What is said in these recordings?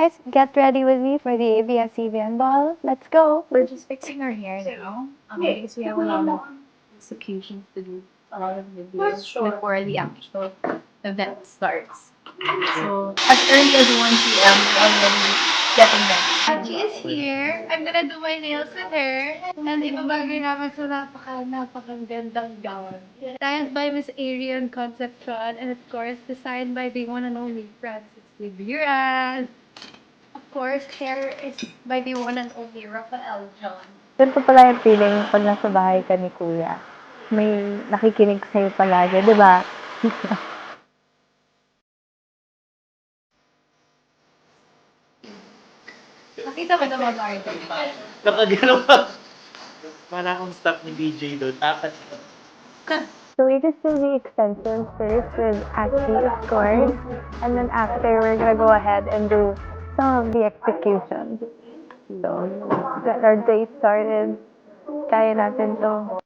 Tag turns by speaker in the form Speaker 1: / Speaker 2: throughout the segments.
Speaker 1: guys, get ready with me for the ABS-CBN ball. Let's go. We're just fixing our hair now. Because we have a lot of executions to do, a lot of videos before the actual event starts. So as early as 1 p.m. we're already getting ready. Angie is here. I'm gonna do my nails with her. And ibabagay namin sa napakagandang gown. Designed by Miss Arian Concepcion and of course designed by the one and only Francis Liburan. Of course, hair is by the one and only Rafael John. Ganito pala yung feeling pag nasa bahay ka ni Kuya. May nakikinig sa'yo palagi, di ba? Nakita ko na mag-artist pa.
Speaker 2: Nakagano pa. Para akong staff ni DJ doon. Apat.
Speaker 1: So we just do the extensions first with Ashley, of course. And then after, we're gonna go ahead and do some of the executions. So, get our day started. Kaya natin to.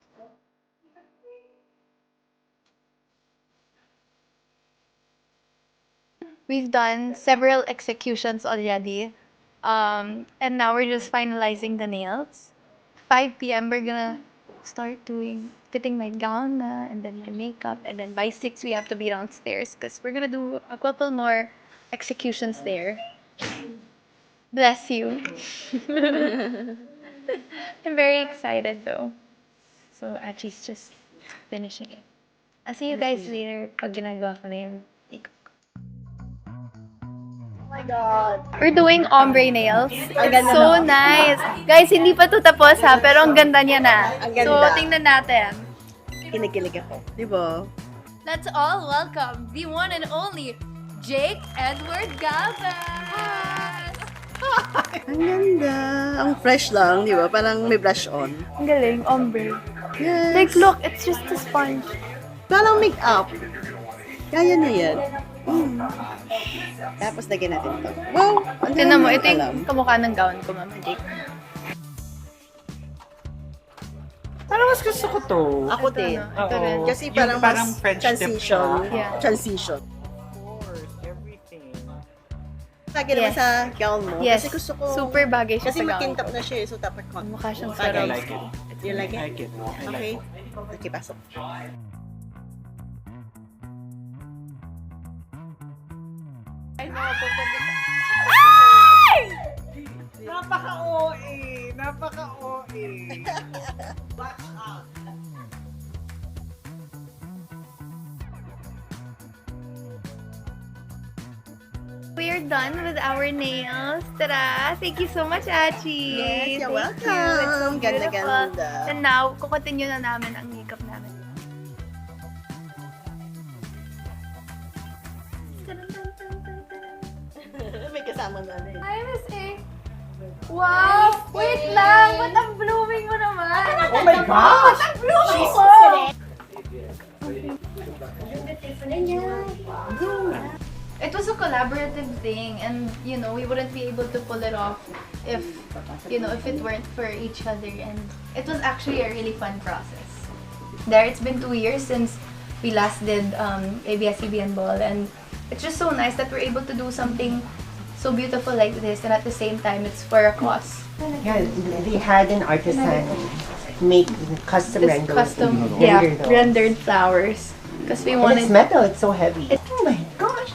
Speaker 1: We've done several executions already. And now we're just finalizing the nails. 5 p.m. we're gonna start fitting my gown and then my makeup, and then by 6 we have to be downstairs because we're gonna do a couple more executions there. Bless you. I'm very excited though. So Achi's just finishing it. I'll see you guys later pag ginagawa ko na yung makeup. Oh my God. We're doing ombre nails. It's so nice. Guys, hindi pa to tapos ha, pero ang ganda niya na.
Speaker 3: Ang ganda.
Speaker 1: So, tingnan natin.
Speaker 3: Kinikilig ako. Di ba?
Speaker 1: Let's all welcome the one and only Jake Edward Gavas!
Speaker 3: Ang ganda. Ang fresh lang, di ba? Parang may blush on.
Speaker 1: Ang galing, ombre.
Speaker 3: Yes.
Speaker 1: Like, look, it's just a sponge.
Speaker 3: Parang make-up. Kaya na yan. Tapos lagyan natin ito. Wow! Ang
Speaker 1: Tingnan mo,
Speaker 3: dami
Speaker 1: ito
Speaker 3: alam.
Speaker 1: yung kamukha ng gown ko, Mama Jake.
Speaker 2: Parang mas gusto ko to.
Speaker 3: Ako din.
Speaker 1: Ito rin.
Speaker 3: Kasi
Speaker 2: Yung
Speaker 3: parang,
Speaker 2: parang
Speaker 3: mas
Speaker 2: French tip
Speaker 3: transition.
Speaker 2: siya.
Speaker 1: Yeah.
Speaker 3: Transition.
Speaker 2: Of course, everything.
Speaker 3: Lagi naman
Speaker 1: Yes.
Speaker 3: sa gown mo.
Speaker 1: Yes,
Speaker 3: Kasi gusto ko...
Speaker 1: super bagay siya
Speaker 3: Kasi
Speaker 1: sa gown
Speaker 3: makintap
Speaker 1: ko.
Speaker 3: na siya eh. So dapat ko.
Speaker 1: Mukha siyang
Speaker 3: Bagay.
Speaker 2: I
Speaker 1: sarap.
Speaker 2: like it.
Speaker 3: You like it?
Speaker 2: I like it. I like
Speaker 3: Okay.
Speaker 2: it.
Speaker 3: Okay, pasok.
Speaker 2: Napaka-OA! Napaka-OA!
Speaker 1: We're done with our nails. Tada! Thank you so much, Achi.
Speaker 3: Yes, you're
Speaker 1: Thank
Speaker 3: welcome.
Speaker 1: you. It's so
Speaker 3: Ganda,
Speaker 1: beautiful.
Speaker 3: ganda.
Speaker 1: And now, kukontinue na namin ang makeup namin.
Speaker 3: May kasama na rin.
Speaker 1: Hi, Miss A. Wow! Wait lang! Ba't ang blooming mo naman?
Speaker 2: Oh my gosh!
Speaker 1: Ang blooming mo! It was a collaborative thing, and we wouldn't be able to pull it off if it weren't for each other, and it was actually a really fun process. It's been 2 years since we last did ABS-CBN Ball, and it's just so nice that we're able to do something so beautiful like this, and at the same time, it's for a cause.
Speaker 4: Yeah, they had an artisan make custom
Speaker 1: This
Speaker 4: rendered.
Speaker 1: custom,
Speaker 4: render those.
Speaker 1: rendered flowers, because we
Speaker 4: And
Speaker 1: wanted.
Speaker 4: it's metal, it's so heavy. Oh my gosh,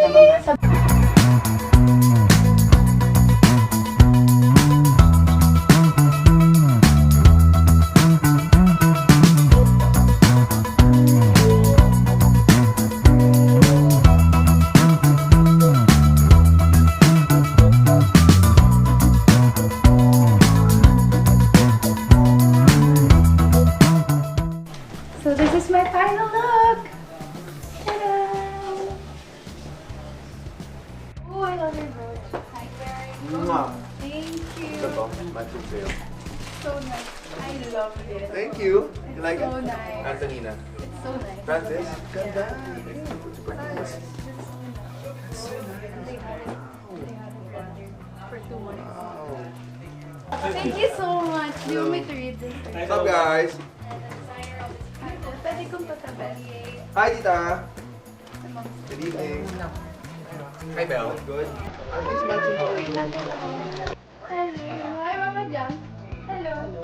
Speaker 1: So this is my final look. Ta-da! Oh, I love your brooch. Thank you. So nice. I love it.
Speaker 5: Thank you. You like
Speaker 1: So
Speaker 5: it?
Speaker 1: nice.
Speaker 5: Antonina.
Speaker 1: It's so nice.
Speaker 5: Francis? Ganda.
Speaker 1: For 2 months. Thank you so much. Do you want me to read this?
Speaker 5: What's up, guys?
Speaker 1: Pwede kong patabi.
Speaker 5: Hi, Tita. Good evening. Hi, Belle. Good.
Speaker 1: Hi, Mama Jam. Hello.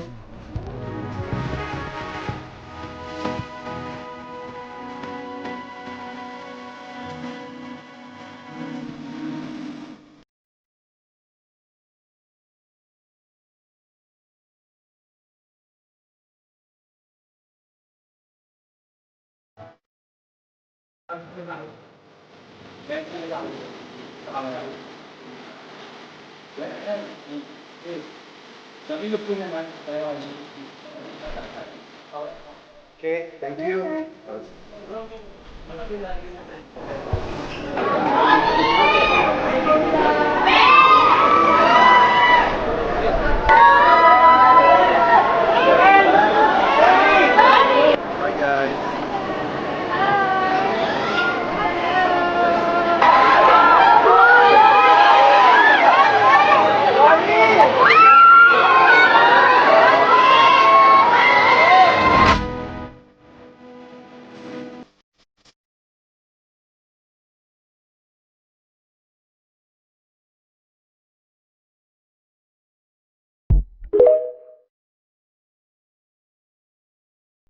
Speaker 5: Okay, thank you.